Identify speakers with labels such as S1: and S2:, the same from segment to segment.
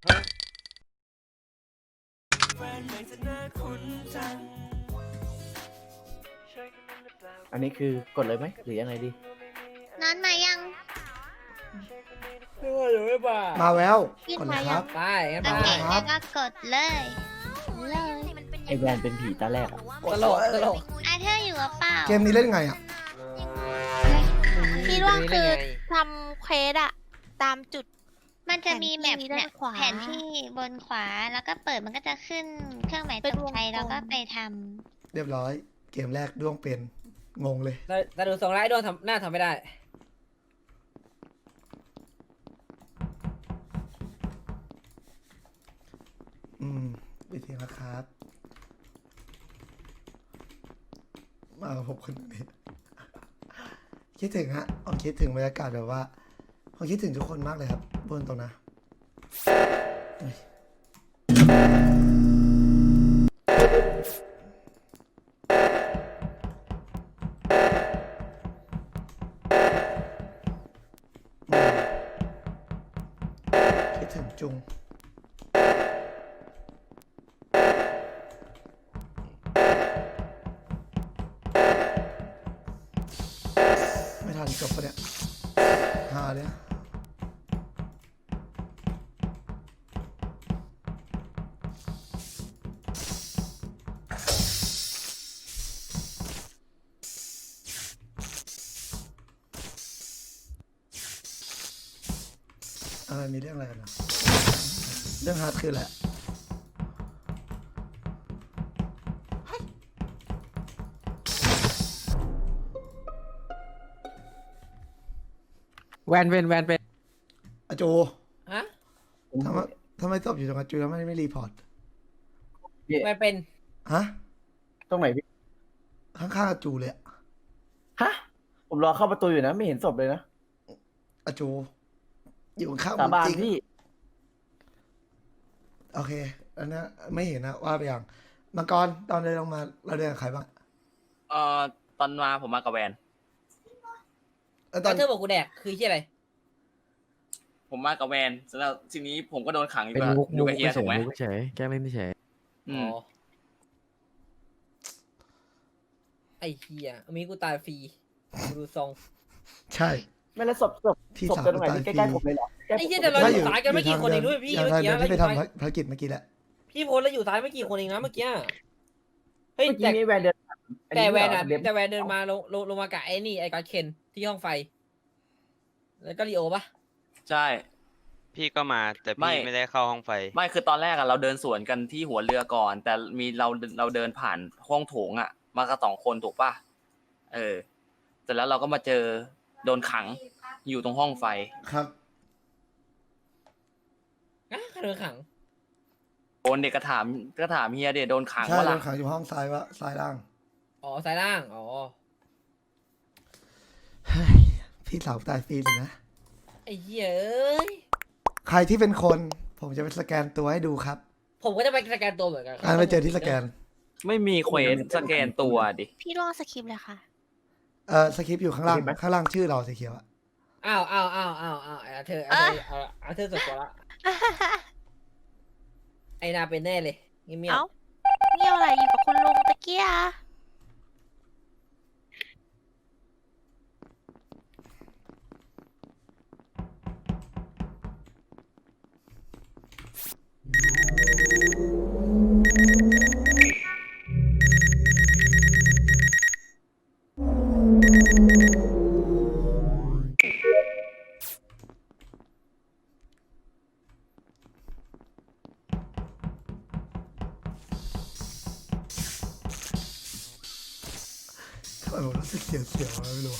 S1: อันนี้คือกดเลยไหมหรือยังไงดี
S2: นอนมายัง
S1: ไม่ว่าหรือไม่ป่า
S3: มาแล้ว
S2: พี่
S3: ก่อน
S2: มา
S3: เลยค
S2: ยั
S3: รั
S2: ง
S3: บ
S1: ไปงั้น
S2: โอ
S1: ไป
S2: เคงั้นก็กดเลยเลย
S1: ไอแวนเป็นผีตาแรกอะ
S4: ตลกตลก
S2: อาเธอร์อยู่หรือเปล่า
S3: เกมนี้เล่นไงอ่ะ
S5: พี่ร่วงคือทำเควสอะตามจุด
S2: มันจะมีแมป
S5: ด้า
S2: เนี่ย
S5: นขวา
S2: แผนที่บนขวาแล้วก็เปิดมันก็จะขึ้นเครื่องหมายตกใจแล้วก็ไปท
S3: เรียบร้อย เกมแรกด้วงเป็นงงเลย
S4: แต่ดูทรงแล้วไอ้โดนทำหน้าทำไม่ได้
S3: วิธีนะครับ มากับผมคนนี้ คิดถึงฮะผมคิดถึงบรรยากาศแบบว่าผมคิดถึงทุกคนมากเลยครับบนตรงนะเฮ้ยคิดถึงจุง ไม่ทันจบปะเนี่ยหาเนี่ยอะไรมีเรื่องอะไรกันนะเรื่องฮาร์ดคืออะไร
S4: แวนเป็น
S3: อาโจ
S4: ฮะ
S3: ทำไมตอบอยู่ตรงอาโจแล้วไม่รีพอร์ต
S4: แวนเป็น
S3: ฮะ
S1: ตรงไหนพี่
S3: ข้างๆอาจูเลยอะ
S1: ฮะผมรอเข้าประตูอยู่นะไม่เห็นศพเลยนะ
S3: อาจูอยู่ข้างๆ
S1: สาบาน
S3: จริง
S1: พี่
S3: โอเคอันนั้นไม่เห็นนะว่าไปอย่างมังกรตอนเดินลงมาเราเดินกับใครบ้าง
S6: ตอนมาผมมากับแวน
S3: แล้วต
S4: ต
S3: อ
S4: อน นเธอบอกกูแดกคือที่อะไร
S6: ผมมากับแวนแล้วทีนี้ผมก็โดนขังอยู่
S7: เป็น
S6: กับ
S7: มุก
S6: อยู่กับเฮีย
S7: เฉ
S6: ถู
S7: ย
S6: กไหม
S7: มุกเฉยแกล้งเล่นเฉย
S6: อืม
S4: ไอ้เฮียมีกูตายฟรีดูทรง
S3: ใช่
S1: ไม่แล้วศพ
S3: พี่
S1: ศพ
S3: สาว
S1: จะตรงไหน
S3: ตาย
S1: พี่
S3: ฟรี
S1: ใกล้ๆผมเลยเหรอใกล้ๆ
S4: ไอ้
S1: ผม
S4: เหี้ยแต่เรา
S3: ถ้า
S4: อยู่ซ้ายกันไม่กี่คนเองด้วยพี่
S3: อย่าง
S4: เมื่อ
S3: ทาง
S4: กี้
S3: เดินที่ไป
S4: เราอยู่
S3: ทำ
S4: ซ้าย
S3: ภารกิจเมื่อกี้แหละ
S4: พี่โพสเราอยู่ซ้ายไม่กี่คนเองนะเมื่อกี้เฮ้ย
S1: เมื่อกี้นี้แวนเดินผ่านอั
S4: แต่แวนอ่ะ
S1: เดี๋ยว
S4: แต่แวนเดินมาลงมากับไอ้นี่ไอ้กอดเคนที่ห้องไฟ แล้วก็ลีโอปะ
S6: ใช่
S8: พี่ก็มาแต่
S6: ไม่
S8: พี่ไม่ได้เข้าห้องไฟ
S6: ไม่คือตอนแรกอะเราเดินสวนกันที่หัวเรือก่อน แต่มีเราเดินผ่านห้องโถงอะมากับ2 คนถูกป่ะเสร็จแล้วเราก็มาเจอโดนขังอยู่ตรงห้องไฟ
S3: ครับ
S4: อ่ะใครโดนขัง
S6: โดนเด็กก็ถามเฮียเด็กโดนขัง
S3: ใช่
S6: ว่า
S3: โด
S6: ล่ะ
S3: นขังอยู่ห้องซ้ายวะซ้ายล่าง
S4: อ๋อซ้ายล่างอ๋อ
S3: เฮ้ยพี่สาวตายฟรีเลยนะ
S4: ไอ้เหี้ยเอ้ย
S3: ใครที่เป็นคนผมจะไปสแกนตัวให้ดูครับ
S4: ผมก็จะไปสแกนตัวเหมือนกัน
S3: ไปเจอที่สแกน
S6: ไม่มีเควสสแกนตัวดิ
S5: พี่ร่วงสคริปต์เลยค่ะ
S3: สคริปต์อยู่ข้างล่างข้างล่างชื่อเราสีเขียวอะ
S4: อ้าวเธอเธอสุดกว่าละไอ้นาเป็นแน่เลยเงียบ
S5: เอ้าเงี่ยวอะไรอยู่กับคุณลุงตะเกีย
S3: ทำไมผมรู้สึกเสียวๆไม่รู้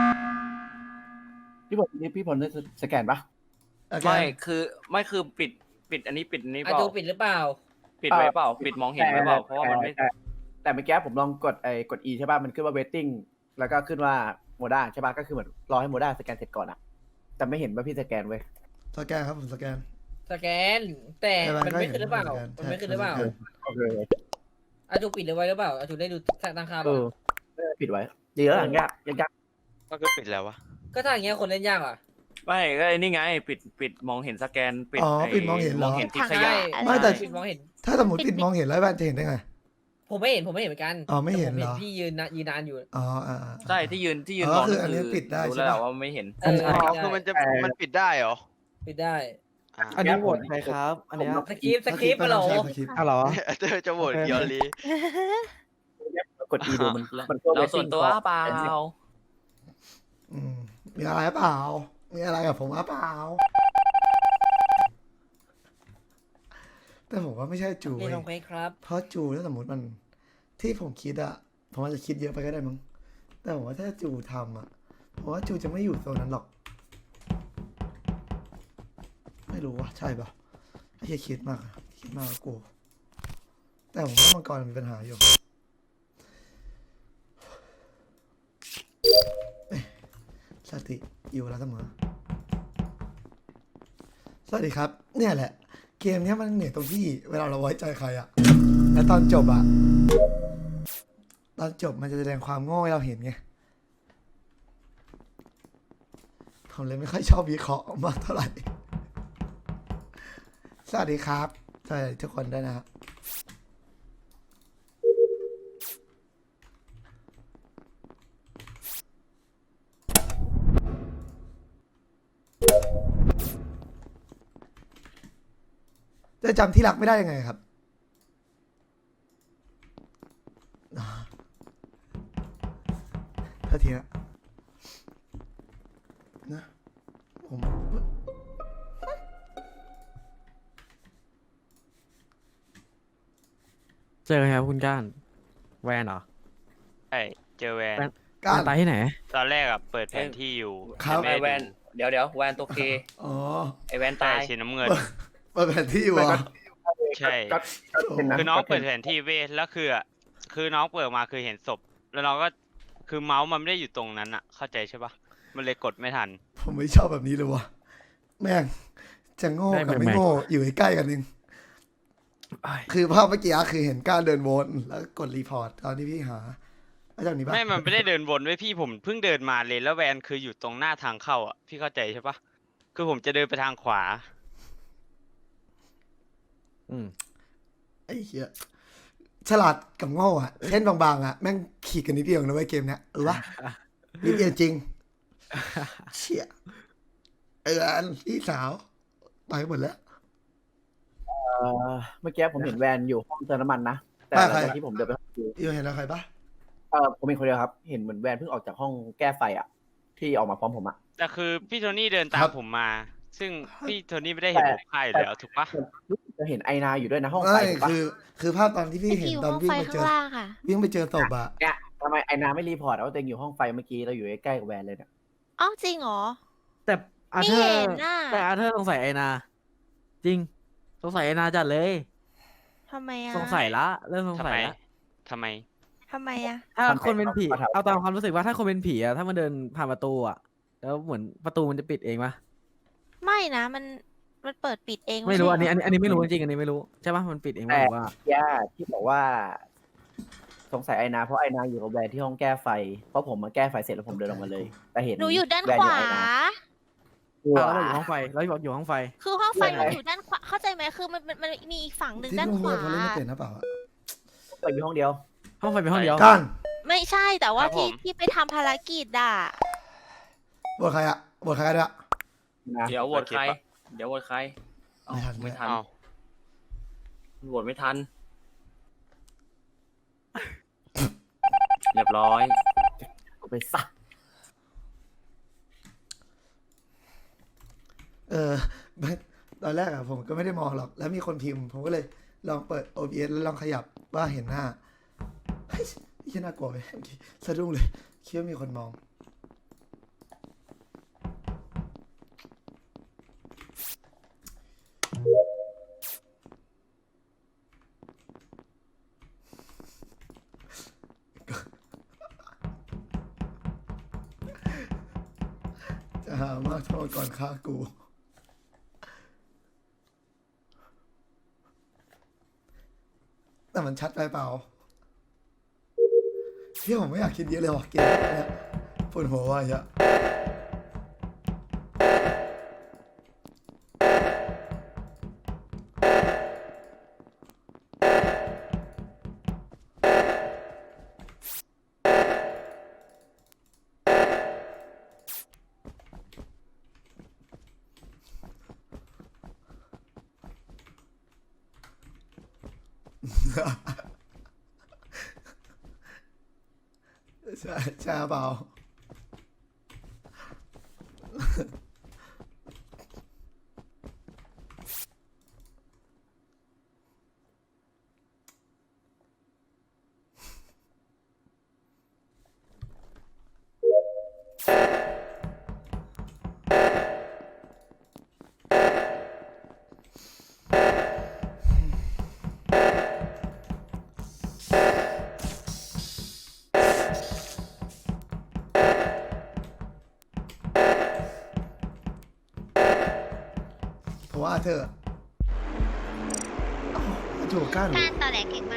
S1: พี่ผลได้สแกนปะ
S6: ไม่คือปิดอันนี้ปิดอันนี้
S4: ๆ
S6: เป
S4: อา
S6: ล่า
S4: จูปิดหรือเปล่า
S6: ปิดไว้เปล่าปิดมองเห็นไว้เปล่าเพราะว่ามันไม่
S1: แต่เมื่อกี้ผมลองกด E ใช่ป่ะมันขึ้นว่า waiting แล้วก็ขึ้นว่าโมด้าใช่ป่ะก็คือเหมือนรอให้โมด้าสแกนเสร็จก่อนอะแต่ไม่เห็นว่าพี่สแกนเว้ย
S3: สแกนครับผมสแกน
S4: สแกน แต่มันไม่ขึ้นหรือเปล่า มันไม่ขึ้นหรือเปล่า
S1: โอเค
S4: อาจูปิดหรือไว้หรือเปล่าอาจูได้ดูตั้งค่า
S1: เอ
S4: เปล่า
S1: อปิดไว้เดี๋ยวหลังยาก
S8: ก็คือปิดแล้ววะ
S4: ก็ถ้าอย่างเงี้ยคนเล่นยากอ่ะ
S6: ไม่ก็ไอ้นี่ไงปิดมองเห็นสแกนปิด
S3: อ๋อ
S6: ไอ้
S3: ปิดมองเห็นเหรอ
S6: มองเห็นทิ้งขยะ
S3: ไม่แต่
S4: ปิดมองเห็น
S3: ถ้าสมมติปิดมองเห็นแล้วแวนจะเห็นได้ไง
S4: ผมไม่เห็นเหมือนกัน
S3: อ๋อไม่เห็นเหรอ
S4: แต่ผมพี่ยืนนานอยู่
S3: อ๋อ
S6: ใช่ที่ยืน
S3: อ๋อ
S6: มอง
S3: คืออันนี้ปิดได้
S6: รู้
S3: ใช่
S6: แล้ว
S3: ปะ
S6: ว่าไม่เห็น
S4: เออ
S8: อ๋อ
S4: ปิด
S8: คือ
S4: ได้
S8: มันปิดได้เหรอ
S4: ปิดได้
S8: อ่า
S7: อันนี้โหวตใครครับ อันเนี้ย
S4: สคริปต์เหรอ
S3: ใช่สคริปต์
S7: อ่ะเหรอ
S8: จะโหวตเกียวลี
S1: กด E ดูมันมันก็
S6: เราส่วนตัว
S1: waiting
S6: เปล่า
S3: อืมมีอะไรเปล่า มีอะไรกับผมเปล่า แต่ผมว่าไม่ใช่จู
S4: นี่
S3: เว้ย
S4: ลองไปครับ
S3: เพราะจูถ้าสมมติมันที่ผมคิดอะผมอาจจะคิดเยอะไปก็ได้มั้งแต่ผมว่าถ้าจูทำอะผมว่าจูจะไม่อยู่โซนนั้นหรอก ไม่รู้ว่าใช่ปะไอ้เหี้ยคิดมากอะคิดมากกว่ากูแต่ผมว่ามังกรมีปัญหาอยู่เอ้ยสติอยู่แล้วเสมอสวัสดีครับ เนี่ยแหละ เกมเนี้ยมันเหนื่อยตรงที่เวลาเราไว้ใจใครอะแล้วตอนจบอะตอนจบมันจะแสดงความโง่ให้เราเห็นไงผมเลยไม่ค่อยชอบวิเคราะห์มากเท่าไหร่ สวัสดีครับสวัสดีทุกคนด้วยนะครับจะจำที่รักไม่ได้ยังไงครับเท่าทีนะผม
S7: เจอครับคุณก้าน แวนเหรอ
S8: ใช่เจอแวน
S7: แวน
S3: กา
S7: แว
S3: ร
S7: นตายที่ไหน
S8: ตอนแรกอะเปิดแผนที่อยู่
S3: ครับ
S8: แต่
S6: ไอ
S8: ไม่
S6: แว
S8: ได้
S6: น
S8: ดู
S6: เดี๋ยวแวนตัวเค
S3: อ๋อ
S6: ไอแวน
S8: ใช่
S6: ตาย
S8: สีน้ำเงิน
S3: เปิดแผนที่อยู่เหรอ
S8: ใช่
S1: ก็เป็นนะ
S8: คือน้อง
S1: ก็
S8: เปิดแผนที่เว้ยแล้วคือน้องเปิดมาคือเห็นศพ แล้วน้องก็คือเมาส์มันไม่ได้อยู่ตรงนั้นอะเข้าใจใช่ปะมันเลยกดไม่ทัน
S3: ผมไม่ชอบแบบนี้เลยวะแม่งจะโง่
S7: ได้
S3: กับไม่
S7: แม่ง
S3: โง่อยู่ใกล้ๆกันนึง
S7: อ้าย
S3: คือภาพเมื่อกี้คือเห็นการเดินวนแล้วกดรีพอร์ตตอนที่พี่หามาจากนี้ปะ
S8: ไม่มันไม่ได้เดินวนไว้ยพี่ผมเพิ่งเดินมาเลยแล้วแวนคืออยู่ตรงหน้าทางเข้าอ่ะพี่เข้าใจใช่ปะคือผมจะเดินไปทางขวา
S7: อืม
S3: ไอ้เหี้ยฉลาดกับโง่อะเส้นบางๆอะแม่งขีดกันนิดเดียวนะเว้ยเกมเนี้ยวะนิดเดียวจริง เชี่ยอันพี่สาวไปหมดแล้ว
S1: เมื่อกี้ผมเห็นแวนอยู่ห้องเติมน้ำมันนะแต่หลังจากที่ผมเดินไปห้องดู
S3: อยู่เห็นอะไรปะ
S1: ผมเห็นคนเดียวครับ เห็นเหมือนแวนเพิ่งออกจากห้องแก้ไฟอ่ะ ที่ออกมาพร้อมผมอ่ะ
S8: แต่คือพี่โทนี่เดินตามผมมา ซึ่งพี่โทนี่ไม่ได้เห็นผมฆ่าอยู่แล้วถูกปะ
S1: จะเห็นไอนาอยู่ด้วยนะห้องไฟ
S3: ไม่
S1: ถูกปะ
S3: คือภาพตอนที่พี่
S5: ไอ
S3: เห็น
S5: ที่อยู่
S3: ตอ
S5: ห้
S3: น
S5: อง
S3: วิ่
S5: ไฟ
S3: งไปเจ
S5: ข้าง
S3: อ
S5: ล่างค่ะ
S3: วิ่งไปเจอศพอะ
S1: เนี่ยทำไมไอนาไม่รีพอร์ตว่าตัวเองอยู่ห้องไฟเมื่อกี้เราอยู่ใกล้ๆกับแวนเลยเนี่ย
S5: อ้าวจริงเหรอ
S7: แต่อา
S5: ไม่
S7: เธอ
S5: เห็น
S7: ร์
S5: น่ะ
S7: แต่อาเธอร์สงสัยไอนา จริง สงสัยไอนาจัดเลย
S5: ทำไมอะ
S7: สงสัยละเริ่มสง
S8: ทำ
S7: สั
S8: ไม
S7: ยละ
S8: ทำไม
S5: ทำไมอะ
S7: ถ้า
S1: ทำไม
S7: คนเป็นผี
S1: เขาถาม
S7: เอาตามความรู้สึกว่าถ้าคนเป็นผีอะถ้ามันเดินผ่านประตูอะแล้วเหมือนประตูมันจะปิดเองปะ
S5: ไม่นะมันเปิดปิดเอง
S7: ไม่รู้
S5: ใช่
S7: อันนี้
S5: เห
S7: อันนี้ไม่รู้จริงๆอันนี้ไม่รู้ใช่ปะมันปิดเองปะหรือว่า
S1: ย่าที่บอกว่า สงสัยไอนาเพราะไอนาอยู่กับแวนที่ห้องแก้ไฟ เพราะผมมาแก้ไฟเสร็จแล้วผมเดินออกมาเลย แต่เห็น
S5: หนูอยู่ด้าน
S1: แว
S5: ขวา
S1: ไอนา
S7: อ่ะแล้วเราอยู่ห้องไฟแล้วบอกอยู่ห้องไฟ
S5: คือห้องไฟ
S1: ใช่
S5: มันอยู่ด้านขวาเข้าใจไหมคือมันมีอีกฝั่งหนึ่ง
S3: ที่
S5: ด้าน
S3: ลุง
S5: ข
S3: เมี
S5: วาย
S3: เขาเล่นไม่เป็นนะเปล่าอะ
S1: ไปอยู่ห้องเดียว
S7: ห้องไฟเป็นห้องเดียว
S3: กัน
S5: ไม่ใช่แต่ว่า
S8: ครับผม
S5: ที่ไปทำภารกิจอ่ะ
S3: บทใครอะบทใครกันอะ
S1: นะ
S6: เดี๋ยวโหวตใคร เดี๋ยวโหวตใครเอ้า
S3: ไม่ทัน
S6: ไม่ทัน
S8: เอา
S6: โหวตไม่ทัน เรียบร้อย
S1: ไปสัก
S3: ไม่ตอนแรกอะผมก็ไม่ได้มองหรอก แล้วมีคนพิมพ์ ผมก็เลยลองเปิด OBS แล้วลองขยับว่าเห็นหน้าเฮ้ยนี่น่ากลัวไปเมื่อกี้สะดุ้งเลยคิดว่ามีคนมอง จะหามากโทษก่อนฆ่ากู แต่มันชัดไปเปล่าพี่ผมไม่อยากคิดเยอะเลยว่ะเกมเนี้ยปวดหัวว่ะเหี้ยอะใช่ใช่เปล่าเพราะว่าเธอถูกกัน
S2: การตอแหลเก่งมาก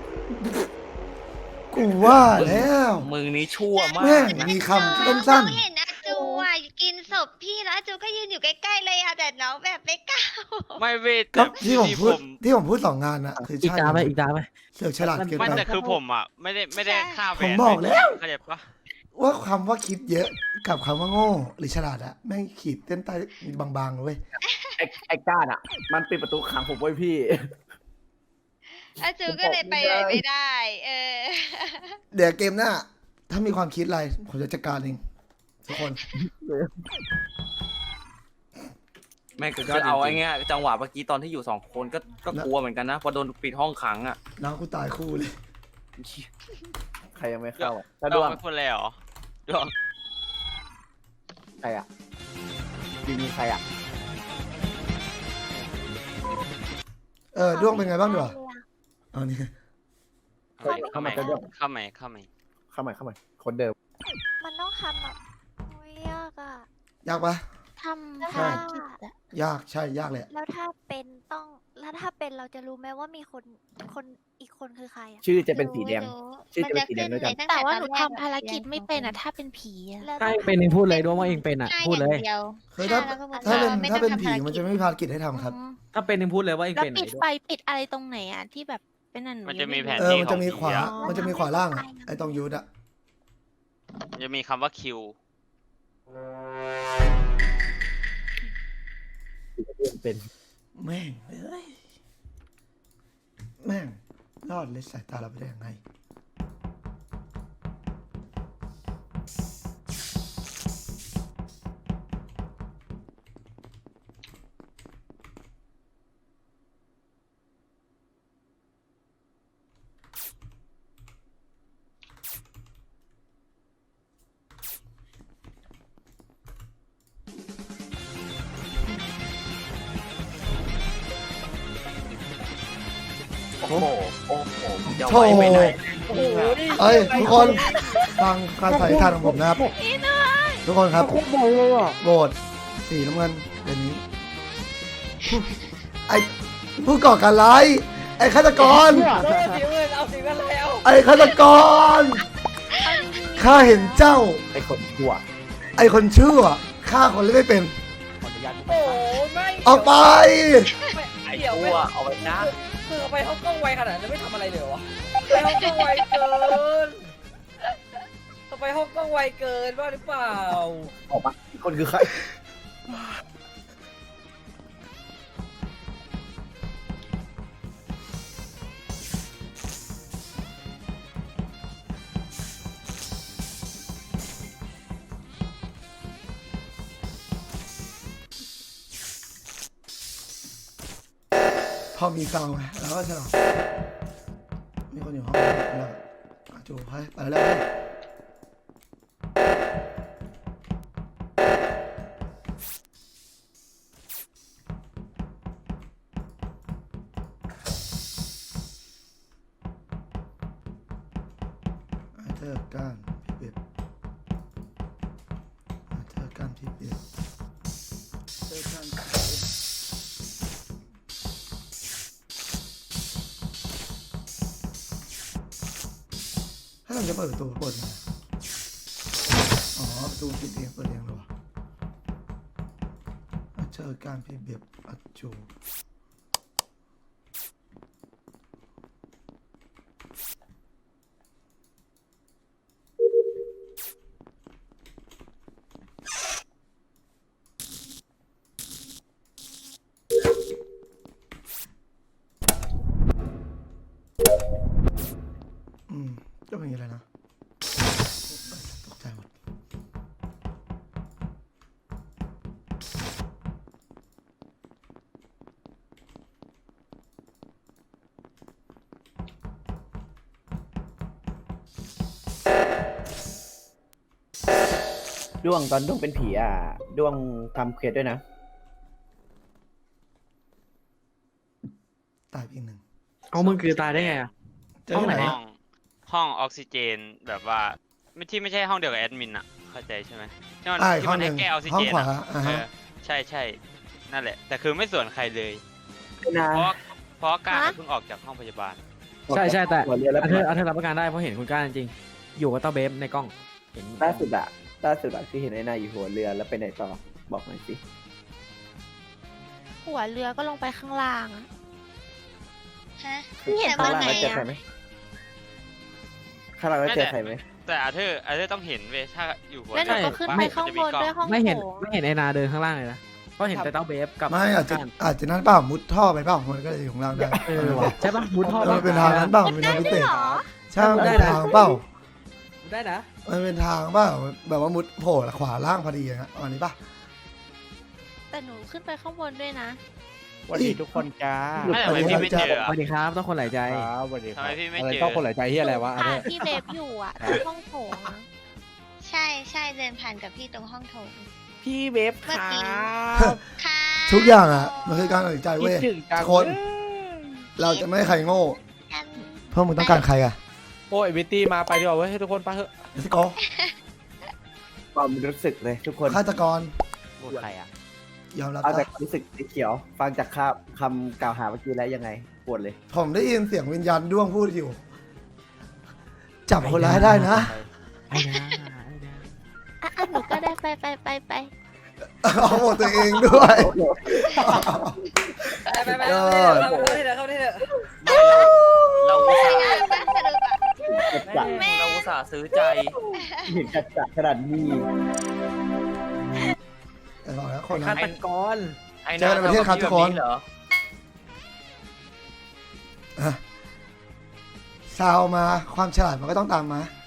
S3: กูว่าแล้ว
S6: มึงนี้ชั่วมา
S3: แม่
S6: ก
S3: งมีคำสั้น
S2: น้องเห็นอาจูอ่ะกินศพพี่แล้วอาจูก็ยืนอยู่ใกล้ๆเลยอ่ะแต่น้องแบบไม่กล้า
S8: ไม่เวท
S3: ๆก็
S8: แต่
S3: ที่ผมพูดที่ผมพูดสองงานอะคือ
S7: อีก
S3: ใช่
S7: ตาไหมอีกตาไหม
S3: เสือกฉลาดเกิน
S8: ไม่
S3: ไป
S8: แต่คือผมอ่ะไม่ได้ฆ่าแหว
S3: ผม
S8: น
S3: บอกแล้ว
S8: เข้าใจปะ
S3: ว่าคำว่าคิดเยอะกับคำว่าโง่หรือฉลาดอะแม่งขีดเส้นใต้บางๆเลยเว้ย
S1: ไอ้ก้านอ่ะ มันปิดประตูขังผมไว้พี่
S2: อาจูก็เลยไปไหนไม่ได้
S3: เดี๋ยวเกมหน้าถ้ามีความคิดอะไรผมจะจัดการเองทุกคน
S6: แม่งคือเอาไอ้เงี้ยจังหวะเมื่อกี้ตอนที่อยู่สองคนก็กลัวเหมือนกันนะพอโดนปิดห้องขังอ่ะ
S3: น้องกูตายคู่เลย
S1: ใครยังไม่เข้าอะถ้า
S8: ด
S1: ด
S8: ว
S1: ว
S8: ง
S1: ง
S8: ไม่พูดเลยเหรอดวง
S1: ใครอ่ะมีใครอ่ะ
S3: ด้วงเป็นไงบ้างดีกว่าเอานี่
S1: เข้ามาจะดวง
S8: เข้าไหม
S1: เข้ามาคนเดิม
S5: มันต้องทำแบบโอ้ยยากอะ
S3: ยากปะ
S5: ทำ
S3: ใช่
S5: ภารกิจอะ
S3: ยากใช่ยากเลยอะ
S5: แล้วถ้าเป็นต้องแล้วถ้าเป็นเราจะรู้ไหมว่ามีคนอีกคนคือใครอะ
S1: ชื่อจะเป็นสีแดง
S2: รู้
S1: ชื่อจะเป็นสีแดงด้วยกัน
S2: มัจะ
S5: แต่ว่าห
S2: ขึ้
S5: นู
S2: ใ
S5: ทำภารกิจไม่เป็นอะถ้าเป็นผีอะแล้ว
S7: ถ้าเองเป็นเองพูดเลยด้วยว่าเองเป็นอ่ะ
S2: ฆ่า
S7: พูดเลย
S2: างดีว
S3: คือถ้า
S2: ฆ่แล้วก็
S3: ถ้าเป็น
S2: ไม่ต้อง
S3: ผี
S2: ทำภารกิจ
S3: มันจะไม่มีภารกิจให้ทำครับ
S7: ถ้าเป็นเองพูดเลยว่าเอง
S5: แล้ว
S7: เป็นไหน
S5: ปิด
S7: ด้
S5: ไฟ
S7: วย
S5: ปิดอะไรตรงไหนอะที่แบบเป็นอันหนู
S8: มันจะมีแผน
S3: มันจะมีขวา
S8: ที่ของผีอะ
S3: มันจะมีขวาล่างอะไอ้ตรงยูดอะ
S8: มันจะมีคำว่าคิว
S1: เป็น
S3: แม่งเอ้ยแม่งรอดเลยสายตาเราไปได้ยังไง
S6: โอ้โหโอ้โหมึงจะ
S3: โถ่
S6: ไว้ไปไหน
S4: โอ้โหนี่
S3: เอ้ยทุกคนฟังการใส่ทานของผมนะครับ ทุกคนครับ
S7: โคตรบ่อยเลยอ่ะ
S3: โหวตสีน้ำเงินเดี๋ยวนี้ ไอ้ผู้ก่อการร้ายไอ้ฆาตกร
S4: เอาสีเงินเอาสีเงินแล้ว
S3: ไอ้ฆาตกรข้าเห็นเจ้า
S1: ไอ้คนชั่ว
S3: ไอ้คนชั่วฆ่าคนเล่นไม่เป็น
S1: ขออนุญาต
S4: โอ้ไม่
S3: ออกไป
S6: ไอ้
S4: เดี๋ยว
S6: ชั่
S4: ไม่
S6: วเอาไว้นะ
S4: คือไปห้องกล้องไวขนาดนั้นไม่ทำอะไรเลยวะไปห้องกล้องไวเกินไปห้องกล้องไวเกินว่าหรือเปล่า
S1: ออกมาอีกคนคือใคร
S3: พอมีซาวไงแล้วก็ฉลองมีคนอยู่ห้องแล้วจูให้ไปแล้วเธอการพี่เบ็ดเธอการพี่เบ็ดเธอการพี่เบ็ด ถ้าเราจะเปิดประตูเปิดยังไงอ๋อประตูปิดเองเปิดเองเลยวะเจอการพี่เบียบอัจจู
S1: ด้วงตอนด้วงเป็นผีด้วงทำเควสด้วยนะ
S3: ตายไปอีกหนึ่ง
S7: เอามึงคือตายได้ไงอ่ะ
S3: เจอที่ไหน
S8: ห้องออกซิเจนแบบว่าไม่ใช่ห้องเดียวกับแอดมินอะเข้าใจใช่ไหมที่มัน
S3: อีก
S8: ที่
S3: ห้อ
S8: มั
S3: ง
S8: น
S3: ห
S8: ให้
S3: นึ่ง
S8: แก้ออกซิ
S3: ห้อ
S8: เจ
S3: ง
S8: น
S3: ขวา
S8: อะ
S3: อ่า
S8: เอ
S3: ฮะ
S8: อใช่นั่นแหละ แต่คือไม่ส่วนใครเลย
S1: นะ
S8: เพราะก้าเพิ่งออกจากห้องพยาบาล
S7: ใช่แต่
S1: หัวเรือแล้ว
S7: อาเธอร์รับประกันได้เพราะเห็นคุณก้าจริงๆอยู่กับเต้าเบฟในกล้องเห็น
S1: ล่าสุดที่เห็นไอ้นายอยู่หัวเรือแล้วไปไหนต่อบอกหน่อยสิ
S5: หัวเรือก็ลงไปข้างล่างอะ
S2: ฮะ
S5: เห็น
S2: แต่
S5: ตอ
S2: ว่าน
S5: ไหน
S2: ไหน
S1: เจอใคร
S2: อะ
S1: ไหมข้างหลังแล้วเจอใครไหม
S8: แต่อาเธอร์ต้องเห็นเว้ยถ้าอยู่หัว
S5: แล้วหนู
S8: เรือ
S5: ก็ขึ้นไปข้างบนด้วยห้อง
S7: ไม่เห็น
S5: โถง
S7: ไม่เห็นไอนาเดินข้างล่างเลยนะเพราะเห็นแต่เต้าเบฟกับ
S3: ไม่อาจจะนั่นเปล่ามุดท่อไปเปล่ามันก็เลยอยู่ข้างล่างได้
S7: เออว่ะใช่ปะมุดท่อ
S3: มันเป็นทางนั้นเปล่ามันเป็นทางพิเศษ
S5: เหรอ
S3: ใช่มันเป็นทางเปล่า
S7: ได้นะ
S3: มันเป็นทางเปล่าแบบว่ามุดโผล่ขวาล่างพอดีอย่างเงี้ยอันนี้ป่ะ
S5: แต่หนูขึ้นไปข้างบนด้วยนะ
S9: สวัสดีทุกคนจ้า
S8: ไม่แต่ทำไมพี่ไม่เจอ
S7: ส
S8: อะ
S7: วัสดีครับต้องคนหลายใจ
S9: ครับสวัสดีค
S8: ทำ
S9: รับ
S8: ไมพี่ไม่
S9: อะไร
S8: เจอ
S9: ต้องคนหลายใจที่อะไรวะอัน
S5: อ่า
S9: เนี้ย
S5: ที่เบฟอยู่อ่ะที่ห้องโถงอะ
S2: ใช่เดินผ่านกับพี่ตรงห้องโถง
S9: พี่เวฟค
S2: เมื่อ
S9: รั
S2: กี้
S9: บ
S2: ค่ะ
S3: ทุกอย่างอ่ะมันคือการตัดสินใจ
S9: คิ
S3: เว้
S9: ด
S3: ย
S9: ถึงจัง
S3: คน เราจะไม่ให้ใครโง่
S2: กัน
S3: เพราะมึงต้องการใครอ่ะ
S9: โอ้ยวิตตี้มาไปดีกว่าเว้ยให้ทุกคนไปเถอะ
S3: let's go
S1: ความรู้สึกเลยทุกคน
S3: ฆาตกร
S9: พูดใครอ่ะ
S3: ยอมรับ
S1: เอา
S3: ปะ
S1: จากรู้สึกสีเขียว ฟังจากคำกล่าวหาเมื่อกี้แล้วยังไงปวดเลย
S3: ผมได้ยินเสียงวิญญาณด้วงพูดอยู่ จับคนร้ายได้นะ
S7: ไอ้นะ
S5: อ่ะหนูก็ได้ไป
S3: เอาหมดตัวเองด้วย
S4: ไปเข้าที่เถอะ
S6: เราอุตส่าห์
S2: บ้านสรุปอะ
S1: จัด
S6: เราอุตส่าห์ซื้อใจ
S1: เห็นจัดขนาดนี้
S3: แต่บอกแล้วคน
S7: ฆา
S3: นั้น
S7: ตกร
S6: ไอ้
S3: เจอกันในประเทศครับทุกคน
S6: เหรอ
S3: ซาวมาความฉลาดมันก็ต้องตามมา